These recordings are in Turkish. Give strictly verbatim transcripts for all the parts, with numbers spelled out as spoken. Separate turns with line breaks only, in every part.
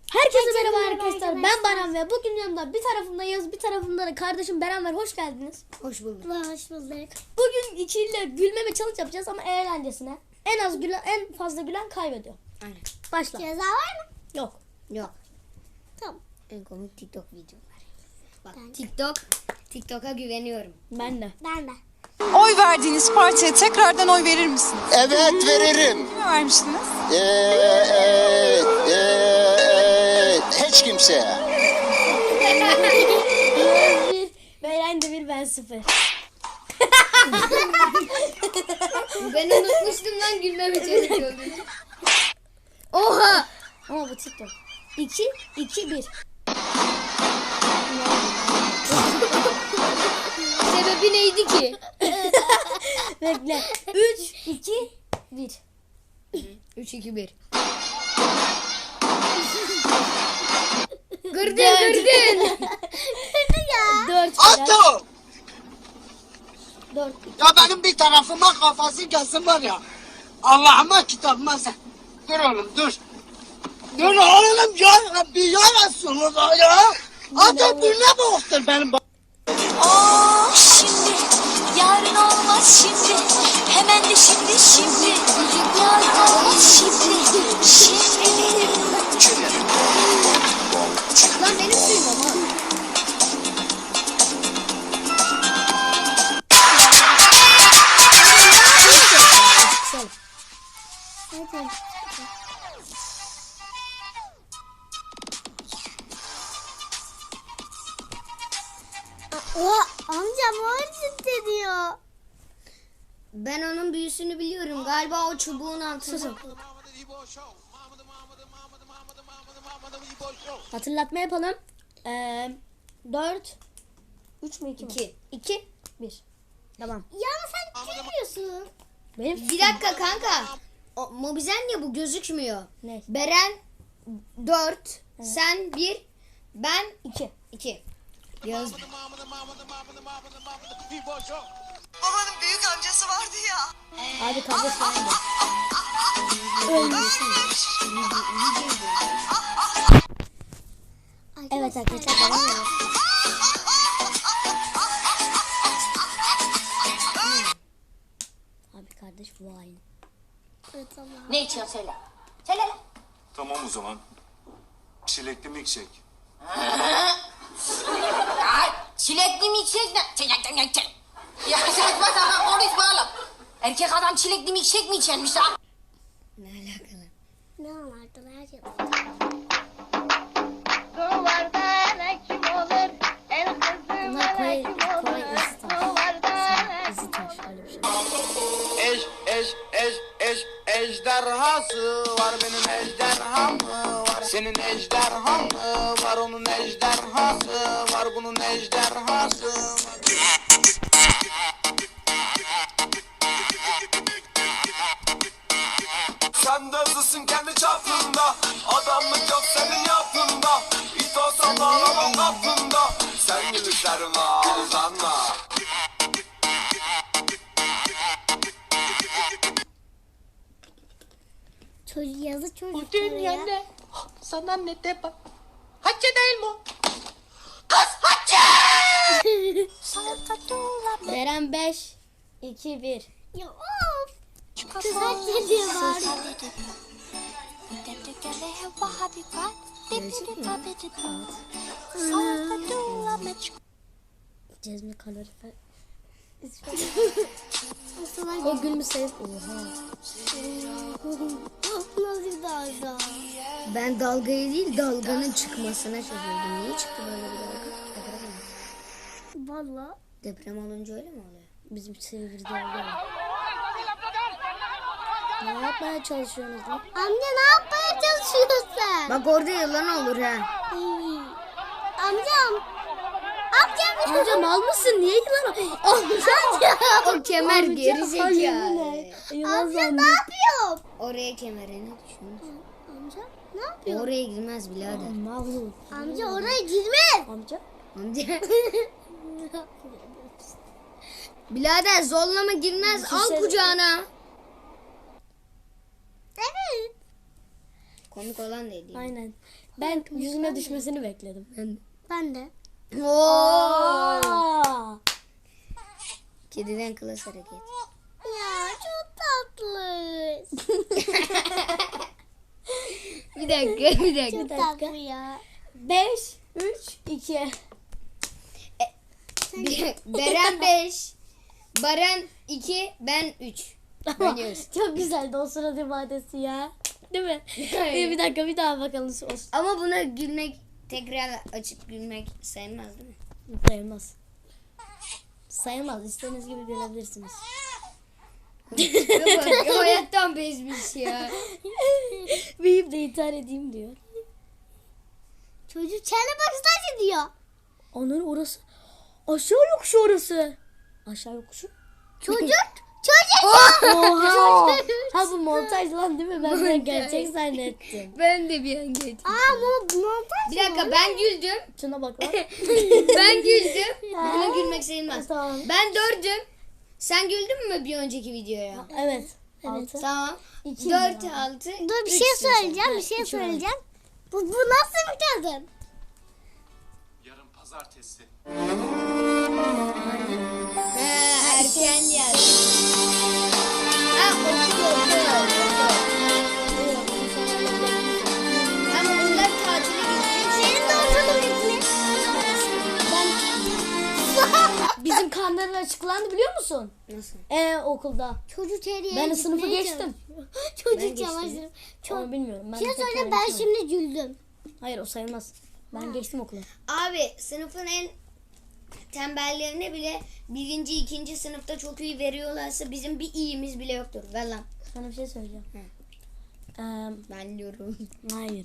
Herkese merhaba arkadaşlar. Ben Baran ve bugün yanımda bir tarafımda Yağız, bir tarafımda da kardeşim Beren var. Hoş geldiniz.
Hoş bulduk.
Hoş bulduk. Bugün ikiliyle gülmeme challenge yapacağız ama eğlencesine. En az gülen, en fazla gülen kaybediyor.
Aynen.
Başla.
Ceza var mı?
Yok.
Yok.
Tamam.
En komik TikTok videolar. Bak
Ben de.
TikTok. TikTok'a güveniyorum.
Ben de.
Ben de.
Oy verdiğiniz partiye tekrardan oy verir misiniz?
Evet veririm.
Kime vermiştiniz?
Ee, evet, evet. Hiç kimseye.
Yağız bir, Beren de bir, ben sıfır.
Ben unutmuştum lan gülmeme çalışıyordum.
Oha! Ama bu TikTok. iki, iki, bir.
Sebebi neydi ki?
Bekle. üç, iki, bir.
üç iki bir. Gırdın gırdın.
dört.
Atto!
dört.
Ya benim bir tarafıma kafası gelsin var ya. Allah'ıma kitabıma sen. Dur oğlum dur. Dur oğlum ya Rabbi ya Resulullah ya. Adı birine boğuktur benim.
Oh şimdi yarın olmaz şimdi hemen de şimdi şimdi yarın olmaz şimdi şimdi.
Lan benim suyum ama.
Oha amcam harcıt ediyor.
Ben onun büyüsünü biliyorum. Galiba o çubuğun altında.
Hatırlatma yapalım. Ee, dört, üç mü iki mi?
İki.
iki, bir. Tamam.
Ya sen gülmüyorsun.
Benim
Bir dakika kanka. O, Mobizen ya bu gözükmüyor.
Ne?
Beren dört, sen bir, ben
iki.
iki. Yaz.
Babanın büyük amcası vardı ya.
Abi kardeş falan da. Evet arkadaşlar devam ediyoruz. Abi kardeş vay.
Evet, tamam.
Ne içiyorsun söyle. Söyle lan.
Tamam o zaman. Çilekli milkshake.
Ay, çilekli milkshake ne? Çilekli milkshake. Ya saçma sapan konuşma oğlum. Erkek adam çilekli milkshake mi içermiş ha?
Ne alakalı?
Ne anlardılar ya.
Bunlar Kore, Kore ısı taş. Isı taş öyle bir şey.
Eş eş eş eş ejderhası var benim ejderham var. Senin ejderhan var onun ejderhası var bunun ejderhası var. Sen de hızlısın kendi çapında. Adamlık yok senin yapında. İt olsan ağlamam kapında. Sen gülüşlerime aldanma.
Çocuk yazı
Bu
çocuklara ya.
dünyada sana ne de bak. Hacı değil mi? o?
Beren beş, iki, bir.
Ya of. Kız hak ediyor var.
Cezmi kalorifer.
Nasıl
O gülmüş sayıp. Oha.
Nasıl dalga?
Ben dalgayı değil dalganın çıkmasına şaşırdım. Niye çıktı böyle bir dalga? Deprem oldu.
Valla.
Deprem olunca öyle mi oluyor?
Bizim çevirdi oldu. Ne yapmaya çalışıyorsunuz lan?
Amca ne yapmaya çalışıyorsun sen?
Bak orada yılan olur ha.
İyi. Amcam. Amcam.
Amca mal mısın? Niye yılan? Amca.
O kemer geri
Amca
zekalı.
Yılan
Amca ne
zannet.
yapıyor?
Oraya kemerini düşün.
Amca ne yapıyor?
Oraya girmez birader.
Mağlup.
Amca oraya girme.
Amca.
Amca. Birader zorlama girmez. Al
Düşünsene.
kucağına.
Evet.
Komik olan neydi?
Aynen. Ben yüzüne düşmesini bekledim.
Ben de.
Aa!
Kediden klas hareket.
Ya çok tatlı.
Bir dakika, bir dakika.
Çok tatlı ya.
beş, üç, iki.
Bir- Beren beş, Baran iki, ben üç. Oynuyoruz.
Çok güzeldi o surat ifadesi ya. Değil mi?
Hayır.
bir, bir dakika bir daha bakalım. Olsun.
Ama buna gülmek, tekrar açıp gülmek sayılmaz değil mi?
Sayılmaz. Sayılmaz. İstediğiniz gibi gülebilirsiniz.
Bak, hayattan bezmiş ya.
Büyüyüp de intihar edeyim diyor.
Çocuk çene baksana diyor.
Onun orası. Aşağı yokuşu orası. Aşağı yokuşu.
Çocuk. Çocuk.
Oha. Ha bu montaj lan değil mi? Ben de gerçek zannettim.
Ben de bir an geçtim.
Aa bu montaj.
Bir dakika, ben güldüm.
Şuna bak lan.
Ben güldüm. Buna gülmek sayılmaz.
Tamam.
Ben dördüm. Sen güldün mü bir önceki videoya?
Evet. Altı.
Tamam.
İki
Dört,
ya.
altı.
Dur bir
üç
şey
sen.
söyleyeceğim. Bir şey
üç var.
söyleyeceğim. Bu, bu nasıl bir kadın?
Yarın pazartesi.
Ha, erken geldi. Ha, okul okul. Ama bunlar tatile gitti.
Senin de okulun bitmiş.
Bizim karnların açıklandı biliyor musun?
Nasıl?
Ee okulda.
Çocuk her yere
Ben de sınıfı
gitmeye
geçtim.
çalışıyor. Çocuk
geçtim.
çamaşırı. Çok.
Onu bilmiyorum. Ben
Bir şey
de pek
söyleyeyim, ben
öğrenemedim.
şimdi güldüm.
Hayır o sayılmaz. Ben geçtim okula.
Abi sınıfın en tembellerine bile birinci, ikinci sınıfta çok iyi veriyorlarsa bizim bir iyimiz bile yoktur. Ver lan.
Sana bir şey söyleyeceğim. Ee,
Ben diyorum.
hayır.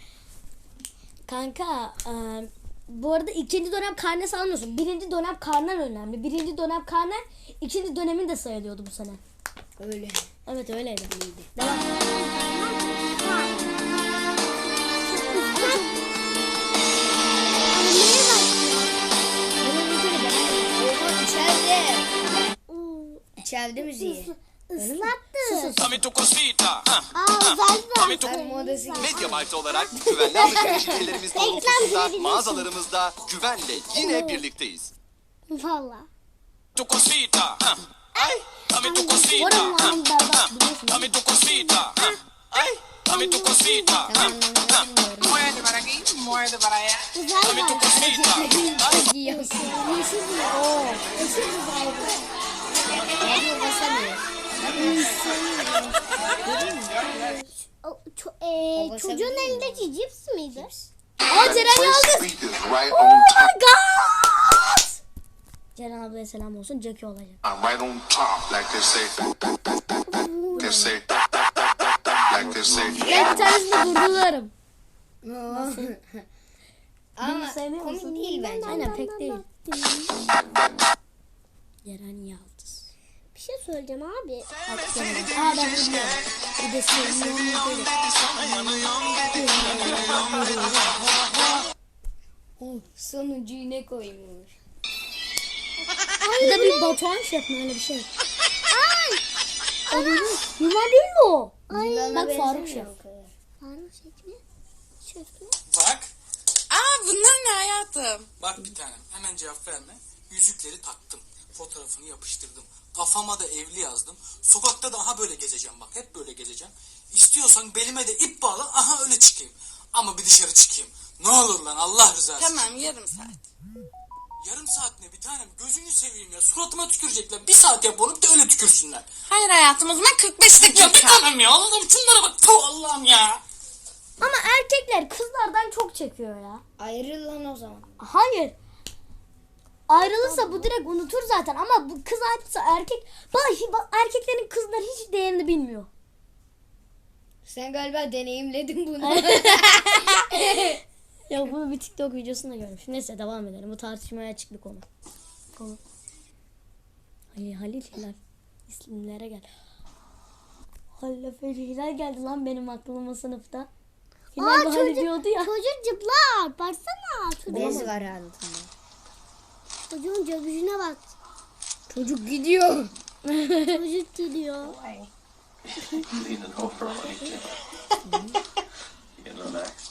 Kanka e, bu arada ikinci dönem karnesi almıyorsun. Birinci dönem karnen önemli. Birinci dönem karnen ikinci dönemin de sayılıyordu bu sene.
Öyle.
Evet öyleydi. Devam.
Oha, içeride.
Oo,
İçeride müziği.
Islattı.
Dame tu cosita. Ah,
Aa uzaylı da.
Ay, modası gibi.
Mediamarkt olarak güvenli alışveriş ülkelerimiz doğrultusunda
verebilirsin.
mağazalarımızda güvenle yine birlikteyiz.
Valla.
Tu cosita. Ah, ay, dame tu cosita.
Oranın
Ah,
anlamı berbat biliyorsun.
dame tu cosita. Ah, ay, dame tu cosita. Ah,
Tamam, bilmiyorum.
muerde para aquí, muerde para allá.
Uzaylı
Dame tu
da.
cosita.
Çok iyi yapıyor.
Yeşil bir. Oo. Yeşil uzaylı.
Radyo basamıyor.
O, ço- ee,
O
çocuğun
basabiliyor
elindeki cips miydi?
Aa Ceren Yıldız.
Right
Oh my god. Ceren ablaya selam olsun. Jackie olacak.
right on top, like they say. They say. Like they say.
Ben bir tanesini durdururum.
Ama
sevmiyor
komik
musun?
değil bence.
Aynen pek değil. Ceren Yıldız.
Bir şey söyleyeceğim abi.
Aa ben bilmiyorum. Bir de sevmiyorum.
Oh, sonuncuyu ne koymuş?
Bir de bir Batuhan şef mi öyle bir şey. Ay. O değil mi? Yuvan değil mi o?
Yılana
Bak Faruk
benzemiyor
Şef.
o kadar.
Faruk şef mi? Şef mi?
Bak. Aa bunlar ne hayatım? Bak bir tanem hemen cevap verme. Yüzükleri taktım. Fotoğrafını yapıştırdım. Kafama da evli yazdım. Sokakta da aha böyle gezeceğim bak. Hep böyle gezeceğim. İstiyorsan belime de ip bağla. Aha öyle çıkayım. Ama bir dışarı çıkayım. Ne olur lan Allah rızası.
Tamam yarım saat.
Yarım saat ne bir tanem? Gözünü seveyim ya. Suratıma tükürecekler. Bir saat yap onu da öyle tükürsünler.
Hayır hayatım o zaman kırk beş
Ya bir
dakika.
tanem ya. Allah'ım şunlara bak. Tuh Allah'ım ya.
Ama erkekler kızlardan çok çekiyor ya.
Ayrıl lan o zaman.
Hayır. Ayrılırsa bu direkt unutur zaten ama bu kız ayrılırsa erkek bak, bak erkeklerin kızlar hiç değerini bilmiyor.
Sen galiba deneyimledin bunu.
Ya bunu bir TikTok videosunda görmüş. Neyse devam edelim. Bu tartışmaya açık bir konu. Konu. Halil, Halil Hilal. İsimlere gel. Halil Efe Hilal geldi lan benim aklıma sınıfta. Hilal
Aa,
bu Halil
çocuk-
diyordu ya.
Çocuk cıplar. Baksana. Çocuğun,
Bez var altında.
çocuğun göbüşüne bak.
Çocuk gidiyor.
Çocuk gidiyor.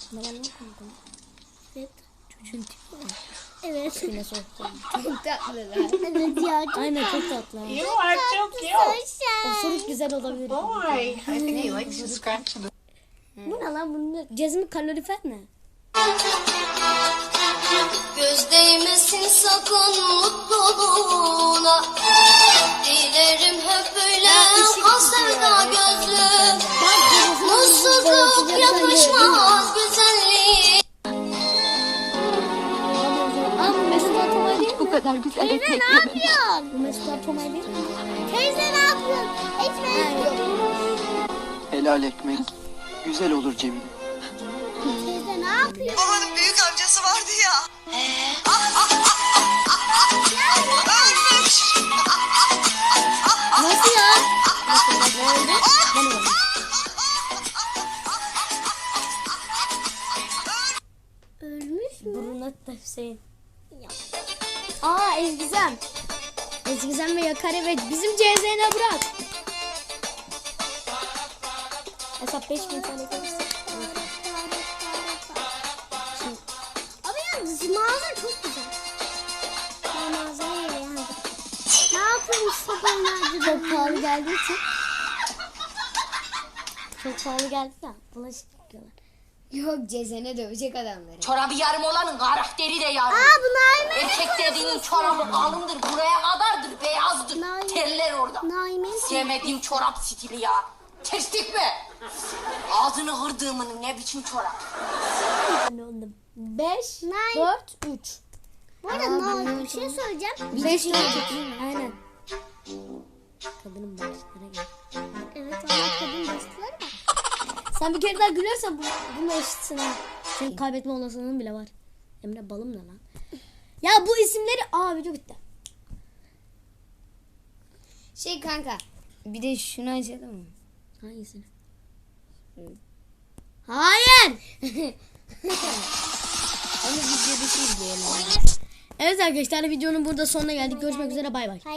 Ne var lan kanka?
Evet.
Çocuğun tipi var.
Evet.
Yine soğukta.
Çok tatlılar.
Evet ya. Çok
Aynen çok tatlı. ha.
You are so cute.
Osuruk güzel olabilir.
Boy.
I think he likes to scratch. Bu ne lan bunun? Cezmi kalorifer ne?
Göz değmesin sakın mutluluğuna. Dilerim hep böyle kal sevda gözlüm. Mutsuzluk yakışmaz güzelliği.
Aa bu Mesut Atomay değil mi?
Bu kadar güzel.
Teyze ne yapıyorsun?
Bu Mesut Atomay değil mi?
Teyze ne yapıyorsun? Ekmek yok.
Helal ekmek. Güzel olur Cemile.
Teyze ne yapıyorsun?
Babanın büyük amcası vardı ya.
Nasıl ya? Nasıl? Ne oldu? Ne oldu?
Ölmüş mü?
Buruna da Hüseyin. Aa Ezgizem. Ezgizem ve Yakar evet. Bizim C Z N'e bırak. Hesap beş bin tane kalırsa.
Ama yalnız mağaza çok güzel. Ben mağazaya yani. Ne yapayım sabahlarca?
Çok pahalı geldiği için. Çok pahalı geldi ya. Bulaşık yıkıyorlar.
Yok Cezene dövecek adamları.
Çorabı yarım olanın karakteri de yarım.
Aa bu Naime.
Erkek dediğinin çorabı kalındır, buraya kadardır, beyazdır.
Naime.
Terler orada.
Naime'nin
Sevmediğim çorap stili ya. Kestik mi? Ağzını hırdığımın ne biçim çorap?
Ne oldu? beş,
Nine.
dört, üç.
Bu arada Naime bir şey söyleyeceğim.
beş, dört, üç. Aynen. Kadının başlara gel.
Evet valla kadın dostları var.
Sen bir kere daha gülersen bu, bununla eşitsin ha. Senin kaybetme olasılığın bile var. Emre balım ne lan? Ya bu isimleri... Aa video bitti.
Şey kanka. Bir de şunu açalım mı?
Hangisini? Hayır.
Onu video dışı izleyelim.
Evet arkadaşlar videonun burada sonuna geldik. Görüşmek üzere bay bay.